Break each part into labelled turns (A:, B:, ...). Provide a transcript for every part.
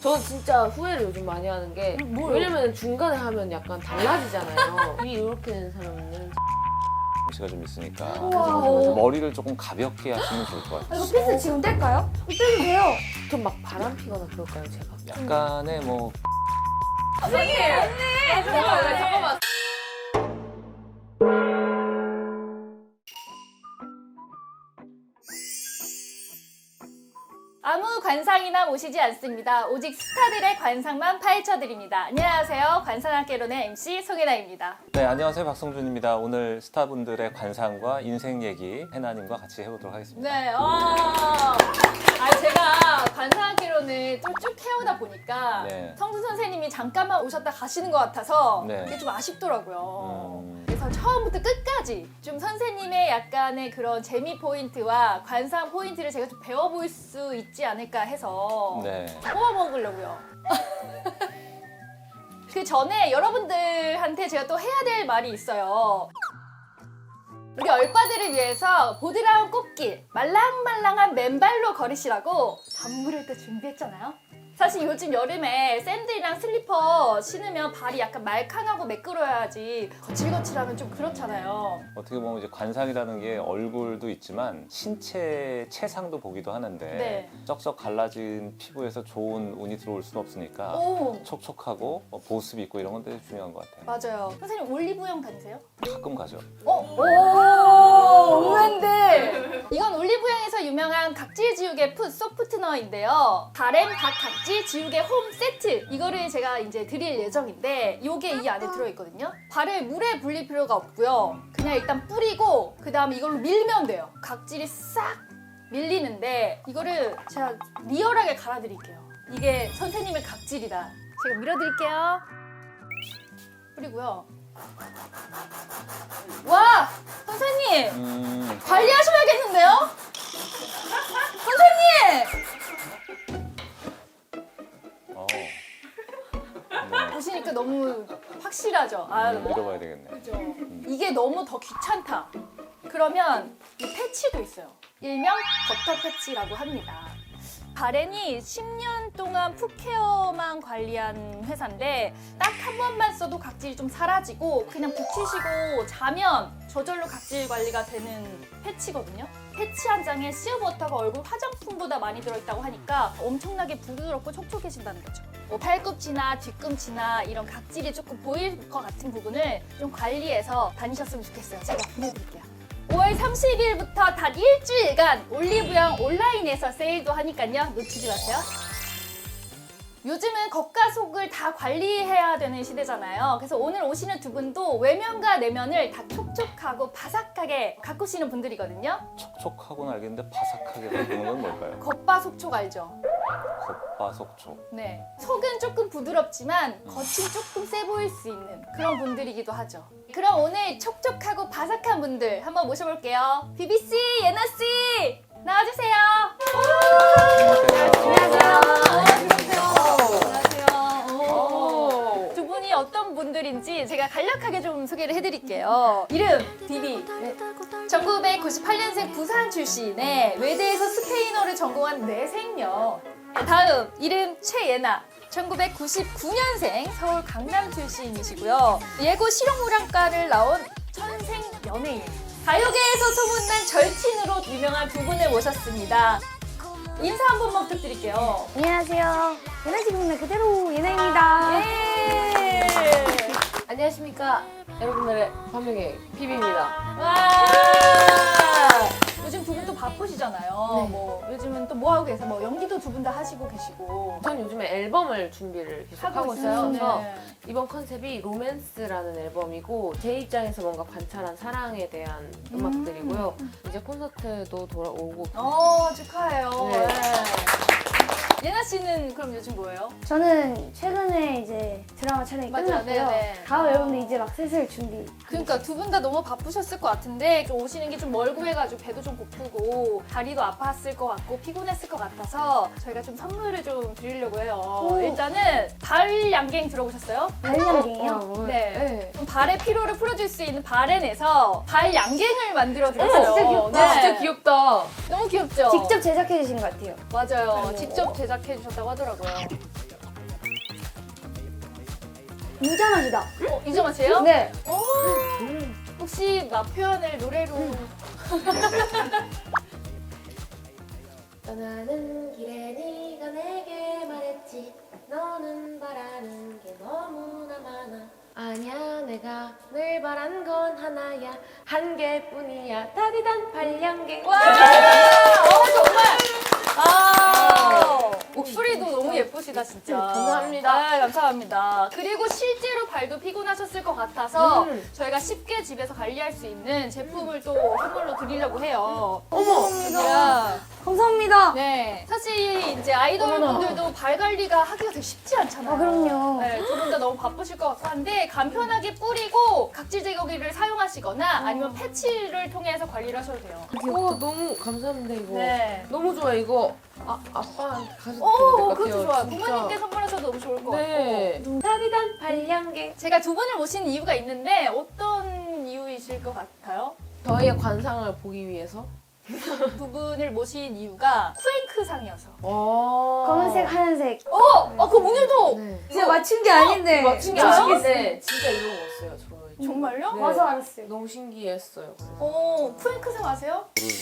A: 저는 진짜 후회를 요즘 많이 하는 게 왜냐면 중간에 하면 약간 달라지잖아요. 입이 이렇게 된 사람은
B: 시가 좀 있으니까
C: 우와.
B: 머리를 조금 가볍게 하시면 좋을 것 같아요.
C: 이거 피스 지금 뗄까요? 떼도 돼요.
A: 좀 막 바람 피거나 그럴까요, 제가?
B: 약간의 뭐
A: 잠깐만.
C: 아무 관상이나 모시지 않습니다. 오직 스타들의 관상만 파헤쳐드립니다. 안녕하세요. 관상학개론의 MC 송혜나입니다.
B: 네, 안녕하세요. 박성준입니다. 오늘 스타분들의 관상과 인생 얘기 해나님과 같이 해보도록 하겠습니다.
C: 네, 제가 관상학개론을 쭉 해오다 보니까
B: 네.
C: 성준 선생님이 잠깐만 오셨다 가시는 것 같아서
B: 네.
C: 그게 좀 아쉽더라고요. 그래서 처음부터 끝까지 좀 선생님의 약간의 그런 재미 포인트와 관상 포인트를 제가 좀 배워볼 수 있지 않을까 해서
B: 네.
C: 뽑아 먹으려고요. 그 전에 여러분들한테 제가 또 해야 될 말이 있어요. 우리 얼빠들을 위해서 보드라운 꽃길, 말랑말랑한 맨발로 걸으시라고 선물을 또 준비했잖아요. 사실 요즘 여름에 샌들이랑 슬리퍼 신으면 발이 약간 말캉하고 매끄러워야지 거칠거칠하면 좀 그렇잖아요.
B: 어떻게 보면 이제 관상이라는 게 얼굴도 있지만 신체 체상도 보기도 하는데
C: 네.
B: 쩍쩍 갈라진 피부에서 좋은 운이 들어올 수는 없으니까
C: 오,
B: 촉촉하고 보습 있고 이런 건 되게 중요한 것 같아요.
C: 맞아요. 선생님 올리브영 다니세요?
B: 가끔 가죠.
C: 오, 의외인데 이건 올리브영에서 유명한 각질 지우개 풋 소프트너인데요. 바램 각 각질 지우개 홈 세트 이거를 제가 이제 드릴 예정인데 이게 이 안에 들어있거든요. 발을 물에 불릴 필요가 없고요. 그냥 일단 뿌리고 그 다음에 이걸로 밀면 돼요. 각질이 싹 밀리는데 이거를 제가 리얼하게 갈아드릴게요. 이게 선생님의 각질이다. 제가 밀어드릴게요. 뿌리고요. 와! 선생님! 관리하셔야겠는데요? 선생님!
B: 네.
C: 보시니까 너무 확실하죠? 아,
B: 밀어봐야 되겠네.
C: 그죠? 이게 너무 더 귀찮다. 그러면 이 패치도 있어요. 일명 버터 패치라고 합니다. 바렌이 10년 동안 풋케어만 관리한 회사인데 딱 한 번만 써도 각질이 좀 사라지고 그냥 붙이시고 자면 저절로 각질 관리가 되는 패치거든요. 패치 한 장에 씨어버터가 얼굴 화장품보다 많이 들어있다고 하니까 엄청나게 부드럽고 촉촉해진다는 거죠. 뭐 팔꿈치나 뒤꿈치나 이런 각질이 조금 보일 것 같은 부분을 좀 관리해서 다니셨으면 좋겠어요. 제가 보내드릴게요. 5월 30일부터 단 일주일간 올리브영 온라인에서 세일도 하니까요. 놓치지 마세요. 요즘은 겉과 속을 다 관리해야 되는 시대잖아요. 그래서 오늘 오시는 두 분도 외면과 내면을 다 촉촉하고 바삭하게 가꾸시는 분들이거든요.
B: 촉촉하고는 알겠는데 바삭하게 바꾸는 건 뭘까요?
C: 겉바속촉 알죠?
B: 겉바속촉.
C: 네. 속은 조금 부드럽지만 겉이 조금 세 보일 수 있는 그런 분들이기도 하죠. 그럼 오늘 촉촉하고 바삭한 분들 한번 모셔볼게요. 비비씨, 예나씨 나와주세요. 안녕하세요. 두 분이 어떤 분들인지 제가 간략하게 좀 소개를 해드릴게요. 이름 비비. 1998년생 부산 출신의 외대에서 스페인어를 전공한 뇌생녀. 다음 이름 최예나. 1999년생 서울 강남 출신이시고요. 예고 실용무량과를 나온 천생 연예인. 가요계에서 소문난 절친으로 유명한 두 분을 모셨습니다. 인사 한 번만 부탁드릴게요.
D: 안녕하세요. 예나지국내 그대로 예나입니다.
C: 예!
A: 안녕하십니까. 여러분들의 반명의 비비입니다.
C: 와! 요즘 두 분 또 바쁘시잖아요.
A: 네.
C: 뭐 요즘은 또 뭐 하고 계세요? 뭐 연기도 두 분 다 하시고 계시고.
A: 전 요즘에 앨범을 준비를 계속 하고 있어요.
C: 네.
A: 그래서 이번 컨셉이 로맨스라는 앨범이고 제 입장에서 뭔가 관찰한 사랑에 대한 음악들이고요. 이제 콘서트도 돌아오고
C: 축하해요.
A: 네.
C: 네. 예나 씨는 그럼 요즘 뭐예요?
D: 저는 최근에 이제 드라마 촬영이
C: 맞아요.
D: 끝났고요.
C: 네네.
D: 다음 앨범도 이제 막 슬슬 준비.
C: 그러니까 두 분 다 너무 바쁘셨을 것 같은데 좀 오시는 게 좀 멀고 해가지고 배도 좀 고프고 다리도 아팠을 것 같고 피곤했을 것 같아서 저희가 좀 선물을 좀 드리려고 해요.
D: 오.
C: 일단은 발 양갱 들어보셨어요?
D: 발연갱이요.
C: 네. 그럼 발의 피로를 풀어줄 수 있는 바렌에서 발 양갱을 만들어 드렸어요.
D: 진짜 귀엽다.
C: 네.
A: 진짜 귀엽다.
C: 너무 귀엽죠?
D: 직접 제작해 주신 것 같아요.
C: 맞아요.
D: 네.
C: 직접 제작해 주셨다고 하더라고요.
D: 유자 맛이다.
C: 이정아 씨예요?
D: 네.
C: 혹시 맛 표현을 노래로
A: 떠나는 길에 네가 내게 말했지 너는 바라는 게 너무나 많아 아니야 내가 늘 바란 건 하나야 한 개뿐이야 다디단 발량개
C: 와! 정말! 목소리도 너무 예쁘시다, 진짜.
A: 감사합니다.
C: 아, 감사합니다. 그리고 실제로 발도 피곤하셨을 것 같아서 저희가 쉽게 집에서 관리할 수 있는 제품을 또 선물로 드리려고 해요.
D: 감사합니다. 감사합니다.
C: 네. 사실 이제 아이돌 분들도 발 관리가 하기가 되게 쉽지 않잖아요.
D: 아, 그럼요.
C: 네, 두 분 다 너무 바쁘실 것 같고 한데 간편하게 뿌리고 각질 제거기를 사용하시거나 아니면 패치를 통해서 관리를 하셔도 돼요.
A: 너무 감사합니다 이거
C: 네.
A: 너무 좋아 이거 아빠한테 가서
C: 오,
A: 드릴 것
C: 그것도
A: 같아요,
C: 좋아요.
A: 진짜.
C: 부모님께 선물하셔도 너무 좋을 것
A: 네
C: 같고.
A: 다디단 발량개
C: 제가 두 분을 모신 이유가 있는데 어떤 이유이실 것 같아요?
A: 저희의 관상을 보기 위해서
C: 두 분을 모신 이유가 쿠앤크상이어서.
D: 검은색, 하얀색.
C: 그럼 오늘도
A: 네.
D: 진짜 맞춘 게 아닌데.
A: 맞춘 게
C: 진짜요?
A: 아닌데 진짜 이런 거 없어요 저희
C: 정말요?
A: 네.
D: 와서 알았어요.
A: 너무 신기했어요
C: 쿠앤크상 아세요?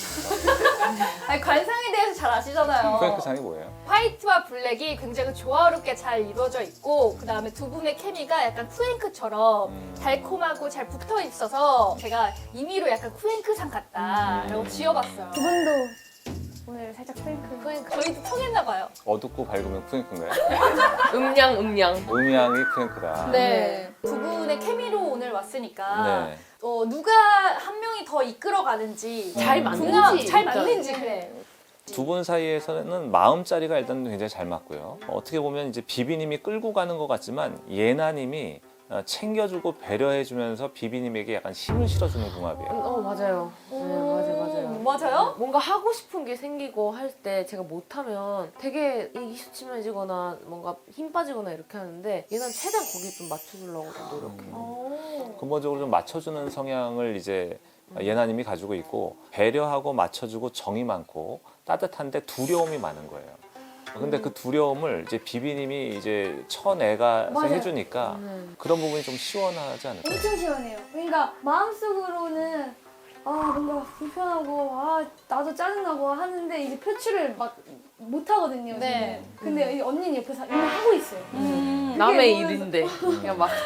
C: 아니, 관상에 대해서 잘 아시잖아요.
B: 프랭크상이 뭐예요?
C: 화이트와 블랙이 굉장히 조화롭게 잘 이루어져 있고 그 다음에 두 분의 케미가 약간 쿠앤크처럼 달콤하고 잘 붙어 있어서 제가 임의로 약간 쿠앤크상 같다라고 지어봤어요.
D: 두 분도 오늘 살짝 프랭크.
C: 저희도 통했나 봐요.
B: 어둡고 밝으면 프랭크인가요?
A: 음량
B: 음향이 프랭크다.
C: 네. 두 분의 케미로 오늘 왔으니까
B: 네.
C: 누가 한 명이 더 이끌어가는지
A: 잘 맞는지
C: 잘
A: 일단.
C: 맞는지 그래.
B: 두 분 사이에서는 마음자리가 일단 굉장히 잘 맞고요. 어떻게 보면 이제 비비님이 끌고 가는 것 같지만 예나님이 챙겨주고 배려해주면서 비비님에게 약간 힘을 실어주는 궁합이에요.
A: 맞아요 맞아요
C: 맞아요?
A: 뭔가 하고 싶은 게 생기고 할 때 제가 못하면 되게 이기수치해지거나 뭔가 힘 빠지거나 이렇게 하는데 얘는 최대한 거기 좀 맞춰주려고 좀 노력해요
B: 근본적으로 좀 맞춰주는 성향을 이제 예나님이 가지고 있고 배려하고 맞춰주고 정이 많고 따뜻한데 두려움이 많은 거예요. 근데 그 두려움을 이제 비비님이 이제 쳐내가서
D: 맞아요.
B: 해주니까 그런 부분이 좀 시원하지 않을까?
D: 엄청 시원해요. 그러니까 마음속으로는 뭔가 불편하고 나도 짜증나고 하는데 이제 표출을 막 못하거든요.
C: 네.
D: 저는. 근데 이 언니는 옆에서 이미 하고 있어요.
A: 남의
D: 보면서-
A: 일인데 그냥 막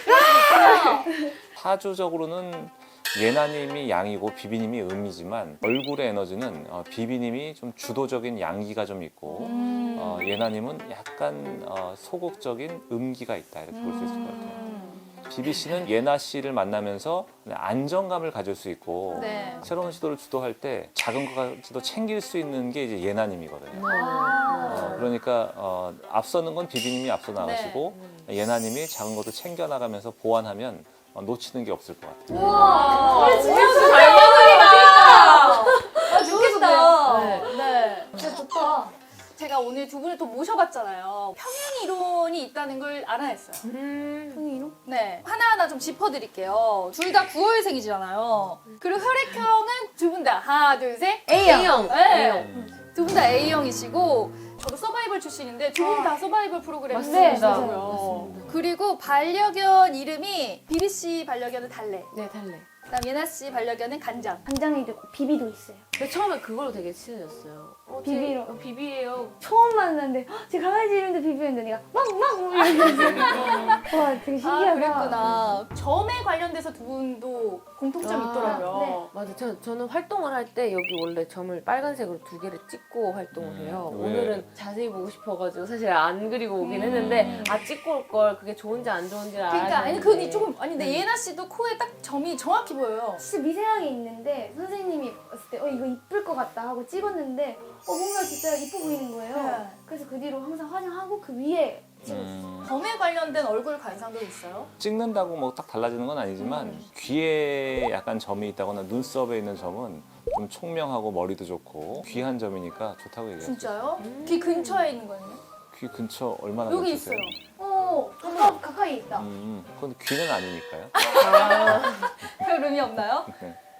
B: 사주적으로는 예나님이 양이고 비비님이 음이지만 얼굴의 에너지는 비비님이 좀 주도적인 양기가 좀 있고 예나님은 약간 소극적인 음기가 있다 이렇게 볼 수 있을 것 같아요. 비비 씨는 예나 씨를 만나면서 안정감을 가질 수 있고
C: 네.
B: 새로운 시도를 주도할 때 작은 것까지도 챙길 수 있는 게 이제 예나님이거든요. 그러니까 앞서는 건 비비님이 앞서 나가시고 예나님이 작은 것도 챙겨 나가면서 보완하면 놓치는 게 없을 것 같아요.
C: 우와,
D: 진짜
C: 잘 먹으리다. 좋겠다.
A: 네.
C: 네.
D: 진짜 좋다.
C: 제가 오늘 두 분을 또 모셔봤잖아요. 평행 이론이 있다는 걸 알아냈어요.
D: 흥이로?
C: 네. 하나하나 좀 짚어드릴게요. 둘 다 9월생이잖아요. 그리고 혈액형은 두 분 다 하나, 둘, 셋.
A: A형
C: 네. 두 분 다 A형이시고 저도 서바이벌 출신인데 두 분 다 서바이벌 프로그램
A: 맞습니다.
C: 출신이고요. 그리고 반려견 이름이 비비 씨 반려견은 달래.
A: 네 달래
C: 그다음 예나 씨 반려견은 간장.
D: 간장이도 있고 비비도 있어요.
A: 근데 처음에 그걸로 되게 친해졌어요
D: 비비로.
A: 비비예요
D: 처음 만났는데 제 강아지 이름도 비비였는데 내가 막막 이러면서 와 되게 신기하다.
C: 그랬구나. 점에 관련돼서 두 분도 공통점이
A: 아,
C: 있더라고요.
D: 네.
A: 맞아. 저는 활동을 할 때 여기 원래 점을 빨간색으로 2개를 찍고 활동을 해요.
B: 왜?
A: 오늘은 자세히 보고 싶어가지고 사실 안 그리고 오긴 했는데 찍고 올 걸 그게 좋은지 안 좋은지를 알아야
C: 그러니까 아니
A: 되는데.
C: 그 조금 아니 근데 예나 씨도 코에 딱 점이 정확히 보여요.
D: 진짜 미세하게 있는데 선생님이 봤을 때 이거 이쁠 것 같다 하고 찍었는데 뭔가 진짜 이뻐 보이는 거예요.
C: 네.
D: 그래서 그 뒤로 항상 화장하고 그 위에
C: 점에 관련된 얼굴 관상도 있어요?
B: 찍는다고 뭐 딱 달라지는 건 아니지만 귀에 약간 점이 있다거나 눈썹에 있는 점은 좀 총명하고 머리도 좋고 귀한 점이니까 좋다고 얘기해요.
C: 진짜요? 귀 근처에 있는 거예요?
B: 귀 근처 얼마나
C: 여기
B: 근처세요?
C: 있어요.
D: 가까이 있다.
B: 그건 귀는 아니니까요.
C: 별 의미 없나요?
B: 네.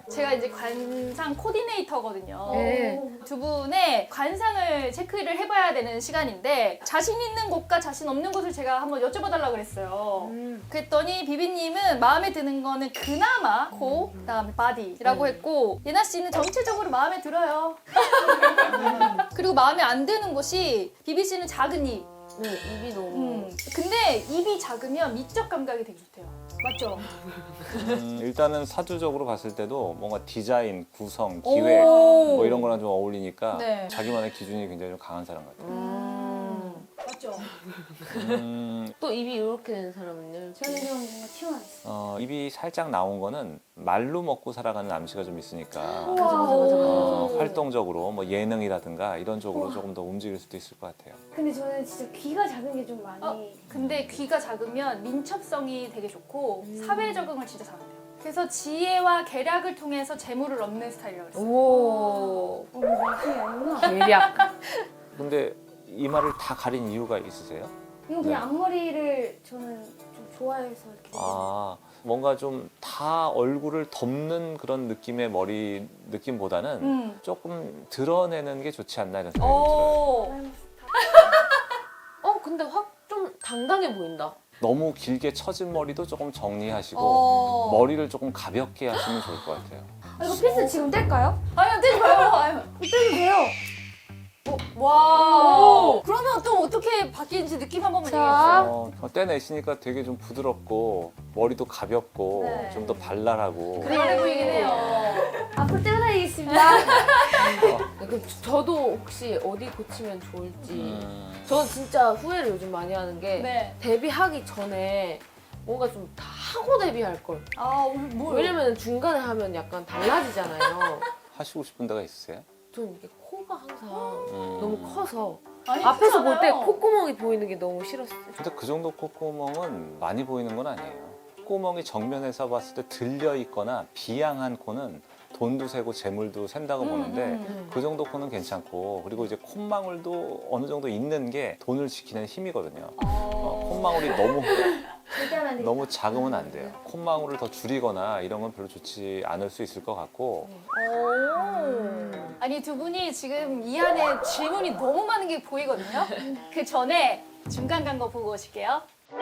C: 제가 이제 관상 코디네이터거든요.
A: 네.
C: 두 분의 관상을 체크를 해봐야 되는 시간인데 자신 있는 곳과 자신 없는 곳을 제가 한번 여쭤봐달라고 그랬어요. 그랬더니 비비님은 마음에 드는 거는 그나마 코, 그다음에 바디라고 했고 예나 씨는 전체적으로 마음에 들어요. 그리고 마음에 안 드는 곳이 비비 씨는 작은 입.
A: 네, 입이 너무.
C: 근데 입이 작으면 미적 감각이 되게 좋대요. 맞죠?
B: 일단은 사주적으로 봤을 때도 뭔가 디자인, 구성, 기획
C: 오.
B: 뭐 이런 거랑 좀 어울리니까
C: 네.
B: 자기만의 기준이 굉장히 좀 강한 사람 같아요.
C: 맞죠?
A: 또 입이 이렇게 된 사람은요?
D: 저는 좀 뭔가 튀어나왔어요.
B: 입이 살짝 나온 거는 말로 먹고 살아가는 암시가 좀 있으니까
C: 오.
B: 활동적으로 뭐 예능이라든가 이런 쪽으로 조금 더 움직일 수도 있을 것 같아요.
D: 근데 저는 진짜 귀가 작은 게 좀 많이.
C: 근데 귀가 작으면 민첩성이 되게 좋고 사회 적응을 진짜 잘한대요. 그래서 지혜와 계략을 통해서 재물을 얻는 스타일이라고 그랬어요.
A: 오.
D: 말씀이 아니구나.
A: 계략.
B: 근데 이마를 다 가린 이유가 있으세요?
D: 이거 그냥 앞머리를 저는 좀 좋아해서 이렇게.
B: 아, 뭔가 좀 다 얼굴을 덮는 그런 느낌의 머리 느낌보다는 조금 드러내는 게 좋지 않나 이런 생각이 들어요.
C: 오.
A: 근데 확 좀 당당해 보인다.
B: 너무 길게 처진 머리도 조금 정리하시고
C: 어.
B: 머리를 조금 가볍게 하시면 좋을 것 같아요.
D: 이거 피스 지금 뗄까요?
C: 아니요, 떼지 마요. 아유.
D: 떼도 돼요.
C: 와. 그러면 또 어떻게 바뀌는지 느낌 한 번만
D: 자.
C: 얘기해주세요.
B: 떼내시니까 되게 좀 부드럽고 머리도 가볍고
C: 네.
B: 좀 더 발랄하고
C: 그래 보이긴 해요.
D: 앞으로 떼어다니겠습니다.
A: 저도 혹시 어디 고치면 좋을지. 저는 진짜 후회를 요즘 많이 하는 게
C: 네.
A: 데뷔하기 전에 뭔가 좀 다 하고 데뷔할 걸.
C: 아, 오늘 뭘?
A: 왜냐면 중간에 하면 약간 달라지잖아요.
B: 하시고 싶은 데가 있으세요?
A: 전 이게 코가 항상 너무 커서
C: 아니,
A: 앞에서 볼 때
C: 그렇잖아요.
A: 콧구멍이 보이는 게 너무 싫었어요.
B: 근데 그 정도 콧구멍은 많이 보이는 건 아니에요. 콧구멍이 정면에서 봤을 때 들려 있거나 비양한 코는 돈도 세고 재물도 샌다고 보는데 그 정도 코는 괜찮고 그리고 이제 콧망울도 어느 정도 있는 게 돈을 지키는 힘이거든요. 콧망울이
D: 절대 안 돼.
B: 너무 작으면 안 돼요. 콧망울을 더 줄이거나 이런 건 별로 좋지 않을 수 있을 것 같고
C: 오. 아니 두 분이 지금 이 안에 질문이 너무 많은 게 보이거든요. 그 전에 중간 간 거 보고 오실게요.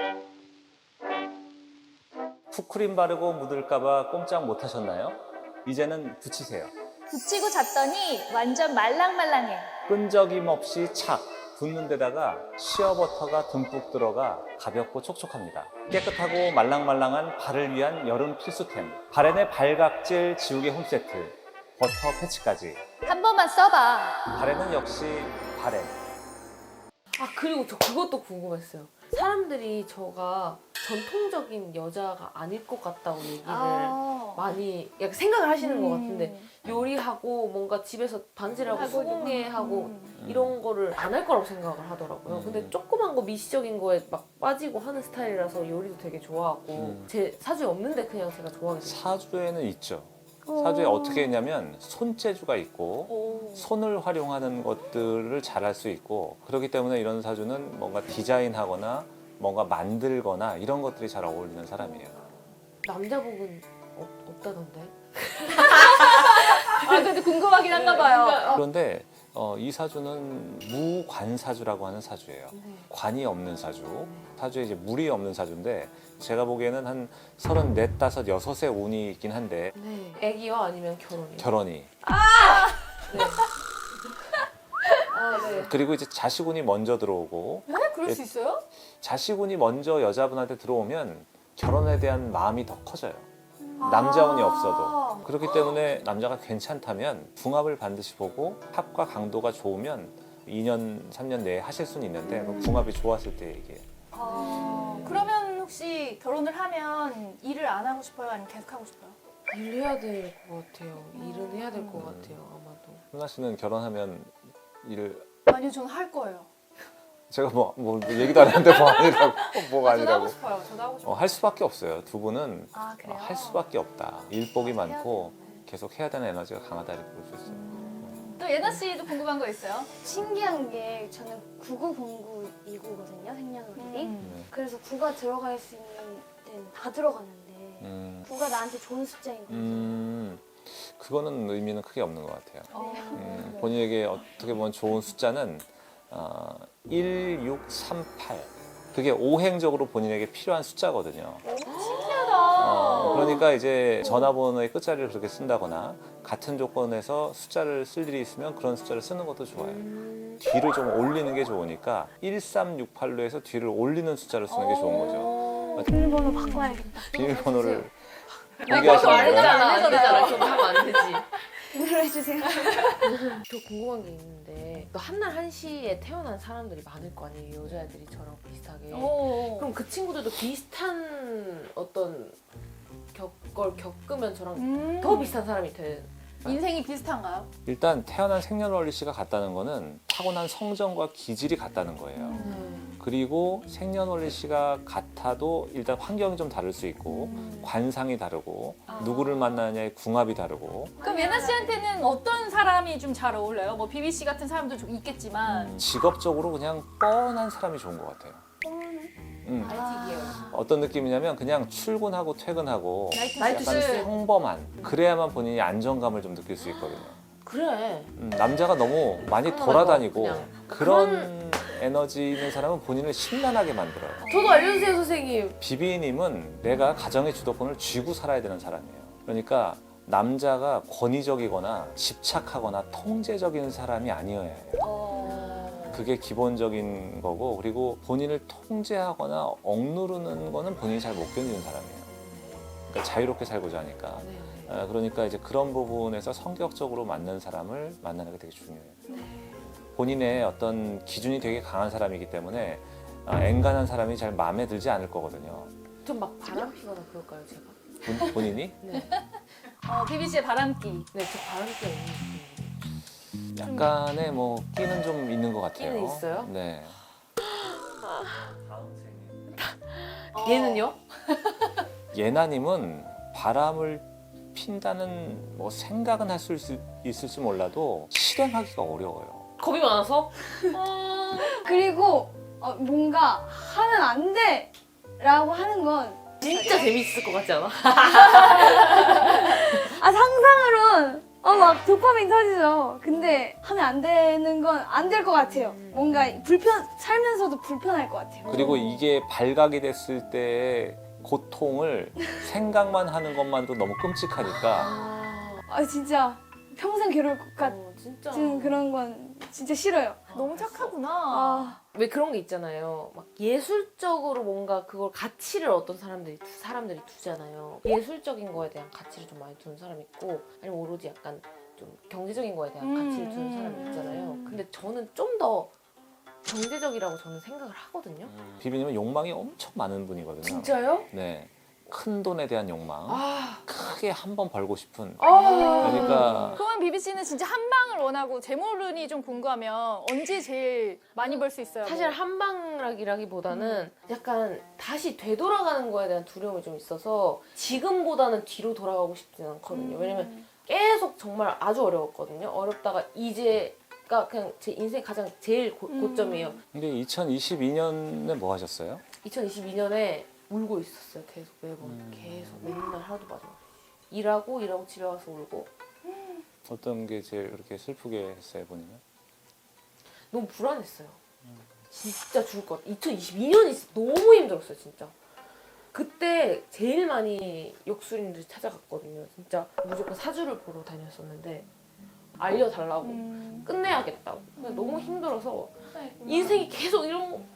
B: 푸크림 바르고 묻을까봐 꼼짝 못 하셨나요? 이제는 붙이세요.
C: 붙이고 잤더니 완전 말랑말랑해.
B: 끈적임 없이 착 붙는 데다가 시어버터가 듬뿍 들어가 가볍고 촉촉합니다. 깨끗하고 말랑말랑한 발을 위한 여름 필수템. 바렌의 발각질 지우개 홈세트. 버터 패치까지.
C: 한 번만 써봐.
B: 바렌은 역시 바렌.
A: 그리고 저 그것도 궁금했어요. 사람들이 저가 전통적인 여자가 아닐 것 같다고 얘기를 많이 약간 생각을 하시는 것 같은데 요리하고 뭔가 집에서 반지하고
C: 하고
A: 소공예하고 이런 거를 안 할 거라고 생각을 하더라고요. 근데 조그만 거 미시적인 거에 막 빠지고 하는 스타일이라서 요리도 되게 좋아하고 제 사주에 없는데 그냥 제가 좋아하게 됐어요.
B: 사주에는 있죠. 사주에 어떻게 했냐면 손재주가 있고 손을 활용하는 것들을 잘할 수 있고 그렇기 때문에 이런 사주는 뭔가 디자인하거나 뭔가 만들거나 이런 것들이 잘 어울리는 사람이에요.
A: 남자복은 없다던데?
C: 근데 궁금하긴 한가 봐요.
B: 그런데 이 사주는 무관사주라고 하는 사주예요. 관이 없는 사주. 사주에 이제 물이 없는 사주인데 제가 보기에는 한 34, 5, 6의 운이 있긴 한데
A: 네. 애기요? 아니면 결혼이요?
B: 결혼이.
A: 네. 네.
B: 그리고 이제 자식운이 먼저 들어오고
C: 네? 그럴 수 있어요?
B: 자식운이 먼저 여자분한테 들어오면 결혼에 대한 마음이 더 커져요. 남자운이 없어도. 그렇기 때문에 남자가 괜찮다면 궁합을 반드시 보고 합과 강도가 좋으면 2년, 3년 내에 하실 수는 있는데 그 궁합이 좋았을 때 얘기해요.
C: 그러면 혹시 결혼을 하면 일을 안 하고 싶어요? 아니면 계속 하고 싶어요?
A: 일해야 될 것 같아요. 일은 해야 될 것 같아요. 아마도.
B: 훈나 씨는 결혼하면 일을
C: 아니요, 저는 할 거예요.
B: 제가 뭐 얘기도 안 했는데 뭐 아니라고 뭐가
C: 저도
B: 아니라고
C: 하고 싶어요. 저도 하고 싶어요.
B: 할 수밖에 없어요. 두 분은
C: 아, 그래요?
B: 할 수밖에 없다. 일복이 많고 계속 해야 되는 에너지가 강하다 이렇게 볼 수 있어요.
C: 또 예나 씨도 궁금한 거 있어요?
D: 신기한 게 저는 990929거든요, 생년월일이.
C: 음.
D: 그래서 9가 들어갈 수 있는 데는 다 들어가는데
B: 음,
D: 9가 나한테 좋은 숫자인 거예요.
B: 그거는 의미는 크게 없는 것 같아요. 본인에게 어떻게 보면 좋은 숫자는 1638. 그게 오행적으로 본인에게 필요한 숫자거든요. 그러니까 이제 전화번호의 끝자리를 그렇게 쓴다거나 같은 조건에서 숫자를 쓸 일이 있으면 그런 숫자를 쓰는 것도 좋아요. 뒤를 좀 올리는 게 좋으니까 1368로 해서 뒤를 올리는 숫자를 쓰는 게 좋은 거죠.
D: 비밀번호 바꿔야겠다.
B: 비밀번호를
A: 그거
B: 공개하시는
A: 안
B: 거예요?
A: 되잖아. 안 되잖아. 그거 하면 안 되지.
D: 눌러주세요.
A: 저 궁금한 게 있는데 또 한날 한시에 태어난 사람들이 많을 거 아니에요. 여자애들이 저랑 비슷하게. 그럼 그 친구들도 비슷한 어떤 걸 겪으면 저랑 더 비슷한 사람이 돼.
C: 인생이 비슷한가요?
B: 일단 태어난 생년월일씨가 같다는 거는 타고난 성정과 기질이 같다는 거예요. 그리고 생년월일씨가 같아도 일단 환경이 좀 다를 수 있고 관상이 다르고 누구를 만나느냐의 궁합이 다르고
C: 그럼 예나 씨한테는 어떤 사람이 좀 잘 어울려요? 뭐 비비 씨 같은 사람도 좀 있겠지만
B: 직업적으로 그냥 뻔한 사람이 좋은 것 같아요.
A: IT계열.
B: 어떤 느낌이냐면 그냥 출근하고 퇴근하고
C: 나이트
B: 약간
C: 씨.
B: 평범한 그래야만 본인이 안정감을 좀 느낄 수 있거든요.
A: 그래.
B: 남자가 너무 많이
A: 그런
B: 돌아다니고
A: 거, 그냥.
B: 그런 에너지 있는 사람은 본인을 심란하게 만들어요.
A: 저도 알려주세요, 선생님.
B: 비비님은 내가 가정의 주도권을 쥐고 살아야 되는 사람이에요. 그러니까 남자가 권위적이거나 집착하거나 통제적인 사람이 아니어야 해요. 그게 기본적인 거고 그리고 본인을 통제하거나 억누르는 거는 본인이 잘 못 견디는 사람이에요. 그러니까 자유롭게 살고자 하니까.
A: 네.
B: 그러니까 이제 그런 부분에서 성격적으로 맞는 사람을 만나는 게 되게 중요해요. 본인의 어떤 기준이 되게 강한 사람이기 때문에 엔간한 사람이 잘 마음에 들지 않을 거거든요.
A: 좀 막 바람 피거나 그럴까요, 제가?
B: 본인이?
A: 네.
C: 비비 씨의 바람기.
A: 네, 저 바람 피가 있는 느낌이에요.
B: 약간의 뭐 끼는 좀 있는 것 같아요.
A: 끼는 있어요?
B: 네.
A: 얘는요?
B: 예나님은 바람을 핀다는 뭐 생각은 할 수 있을지 몰라도 실행하기가 어려워요.
A: 겁이 많아서?
D: 그리고 뭔가 하면 안 돼! 라고 하는 건
A: 진짜 재밌을 것 같지 않아?
D: 상상으론 막 도파민 터지죠. 근데 하면 안 되는 건 안 될 것 같아요. 뭔가 살면서도 불편할 것 같아요.
B: 그리고 이게 발각이 됐을 때의 고통을 생각만 하는 것만도 너무 끔찍하니까
D: 진짜 평생 괴로울 것
A: 진짜.
D: 같은 그런 건 진짜 싫어요.
C: 너무 착하구나.
A: 왜 그런 게 있잖아요. 막 예술적으로 뭔가 그걸 가치를 어떤 사람들이 두잖아요. 예술적인 거에 대한 가치를 좀 많이 두는 사람이 있고 아니면 오로지 약간 좀 경제적인 거에 대한 가치를 두는 사람이 있잖아요. 근데 저는 좀 더 경제적이라고 저는 생각을 하거든요.
B: 비비님은 욕망이 엄청 많은 분이거든요.
A: 진짜요?
B: 네. 큰 돈에 대한 욕망, 크게 한 번 벌고 싶은.
A: 그러니까
B: 그러니까
C: 그러면 비비 씨는 진짜 한 방을 원하고 재물운이 좀 궁금하면 언제 제일 많이 벌 수 있어요?
A: 사실 한방락이라기보다는 약간 다시 되돌아가는 거에 대한 두려움이 좀 있어서 지금보다는 뒤로 돌아가고 싶진 않거든요. 왜냐면 계속 정말 아주 어려웠거든요. 어렵다가 이제가 그냥 제 인생 가장 제일 고점이에요.
B: 근데 2022년에 뭐 하셨어요?
A: 2022년에 울고 있었어요. 계속 매번 계속 맨날 하루도 마지막 일하고 집에 와서 울고
B: 어떤 게 제일 그렇게 슬프게 했어요, 본인은?
A: 너무 불안했어요. 진짜 죽을 것 같아. 2022년이 너무 힘들었어요, 진짜. 그때 제일 많이 역술인들이 찾아갔거든요. 진짜 무조건 사주를 보러 다녔었는데 알려달라고 끝내야겠다고. 근데 너무 힘들어서 인생이 계속 이런 거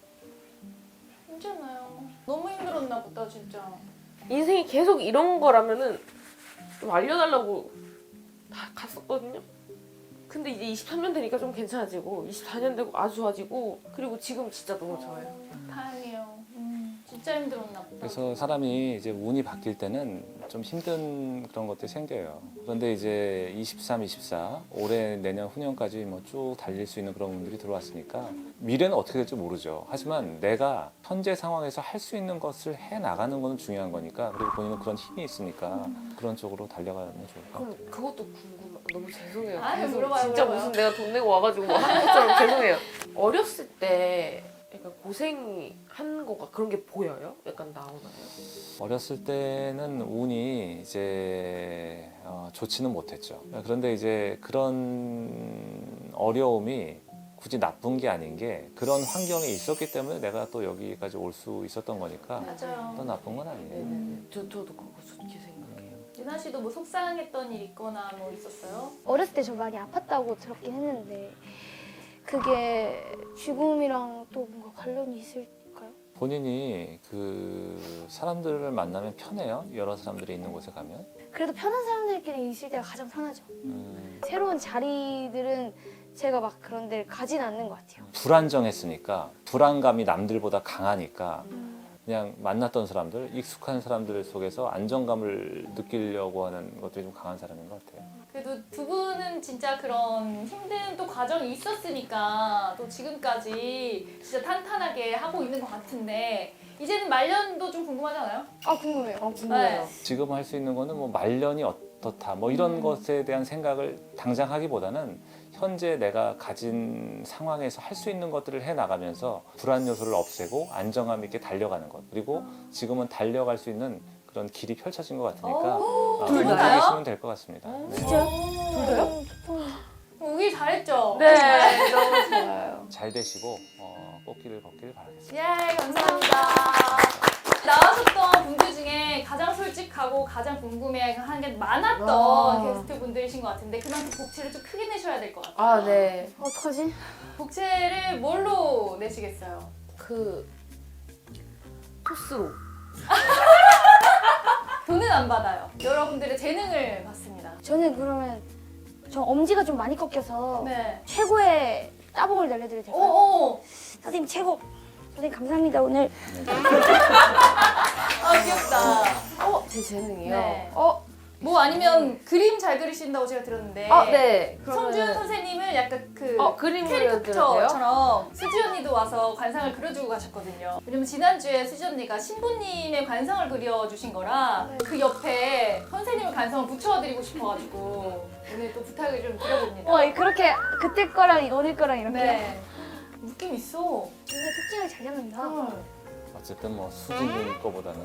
C: 괜찮아요. 너무 힘들었나 보다 진짜.
A: 인생이 계속 이런 거라면은 좀 알려달라고 다 갔었거든요. 근데 이제 23년 되니까 좀 괜찮아지고 24년 되고 아주 좋아지고 그리고 지금 진짜 너무 좋아요.
C: 다행이에요. 진짜 힘들었나 보다.
B: 그래서 사람이 이제 운이 바뀔 때는 좀 힘든 그런 것들이 생겨요. 그런데 이제 23, 24, 올해, 내년, 후년까지 뭐 쭉 달릴 수 있는 그런 운들이 들어왔으니까 미래는 어떻게 될지 모르죠. 하지만 내가 현재 상황에서 할 수 있는 것을 해 나가는 거는 중요한 거니까 그리고 본인은 그런 힘이 있으니까 그런 쪽으로 달려가면 좋을 것 같아요.
A: 그럼 그것도 궁금해. 너무 죄송해요.
C: 아니,
A: 계속
C: 물어봐요,
A: 진짜
C: 물어봐요.
A: 무슨 내가 돈 내고 와가지고 뭐 하는 것처럼 죄송해요. 어렸을 때 약간 고생한 거가 그런 게 보여요? 약간 나오나요?
B: 어렸을 때는 운이 이제 좋지는 못했죠. 그런데 이제 그런 어려움이 굳이 나쁜 게 아닌 게 그런 환경에 있었기 때문에 내가 또 여기까지 올 수 있었던 거니까
C: 맞아요.
B: 또 나쁜 건 아니에요.
A: 네네네. 저도 그거 좋게 생각해요.
C: 유나 씨도 뭐 속상했던 일 있거나 뭐 있었어요?
D: 어렸을 때 저 많이 아팠다고 들었긴 했는데 그게 죽음이랑 또 뭔가 관련이 있을까요?
B: 본인이 그 사람들을 만나면 편해요. 여러 사람들이 있는 곳에 가면.
D: 그래도 편한 사람들끼리 있을 때가 가장 편하죠. 새로운 자리들은 제가 막 그런 데를 가진 않는 것 같아요.
B: 불안정했으니까 불안감이 남들보다 강하니까 그냥 만났던 사람들, 익숙한 사람들 속에서 안정감을 느끼려고 하는 것들이 좀 강한 사람인 것 같아요.
C: 그래도 두 분은 진짜 그런 힘든 또 과정이 있었으니까 또 지금까지 진짜 탄탄하게 하고 있는 것 같은데 이제는 말년도 좀 궁금하지 않아요?
D: 아 궁금해요.
A: 궁금해요.
B: 지금 할 수 있는 거는 뭐 말년이 어떻다 뭐 이런 것에 대한 생각을 당장 하기보다는 현재 내가 가진 상황에서 할 수 있는 것들을 해 나가면서 불안 요소를 없애고 안정감 있게 달려가는 것 그리고 지금은 달려갈 수 있는 그런 길이 펼쳐진 것 같으니까
C: 둘
B: 그렇게
C: 다요?
B: 계시면 될 것 같습니다. 네.
D: 진짜요?
C: 둘 다요? 오길 잘했죠?
A: 네, 너무 좋아요.
B: 잘 되시고 꽃길을 걷길 바라겠습니다.
C: 예, 감사합니다. 나와줬던 분들 중에 가장 솔직하고 가장 궁금해하는 게 많았던
A: 와.
C: 게스트 분들이신 것 같은데 그만큼 복채를 좀 크게 내셔야 될 것 같아요.
A: 아, 네.
D: 어떡하지?
C: 복채를 뭘로 내시겠어요?
A: 그 토스로.
C: 돈은 안 받아요. 여러분들의 재능을 받습니다.
D: 저는 그러면 저 엄지가 좀 많이 꺾여서
C: 네.
D: 최고의 따봉을 날려드려도 될까요?
C: 오오.
D: 선생님 최고. 선생님 감사합니다 오늘.
C: 아 귀엽다.
A: 제 재능이요?
C: 네. 뭐 아니면 그림 잘 그리신다고 제가 들었는데.
A: 아, 네.
C: 성준 선생님은 약간 그
A: 그림 그려드려도 돼요?
C: 캐릭터처럼 수지 언니도 와서 관상을 그려주고 가셨거든요. 왜냐면 지난주에 수지 언니가 신부님의 관상을 그려주신 거라 그 옆에 선생님의 관상을 붙여드리고 싶어가지고 오늘 또 부탁을 좀 드려봅니다.
D: 그렇게 그때 거랑 오늘 거랑 이렇게.
C: 네. 느낌 있어.
D: 진짜 특징을 잘 잡는다.
B: 어쨌든 뭐 수진님 거보다는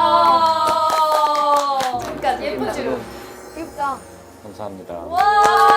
C: 와. 그러니까 예쁜 주름.
D: 귀엽다.
B: 감사합니다.
C: 와.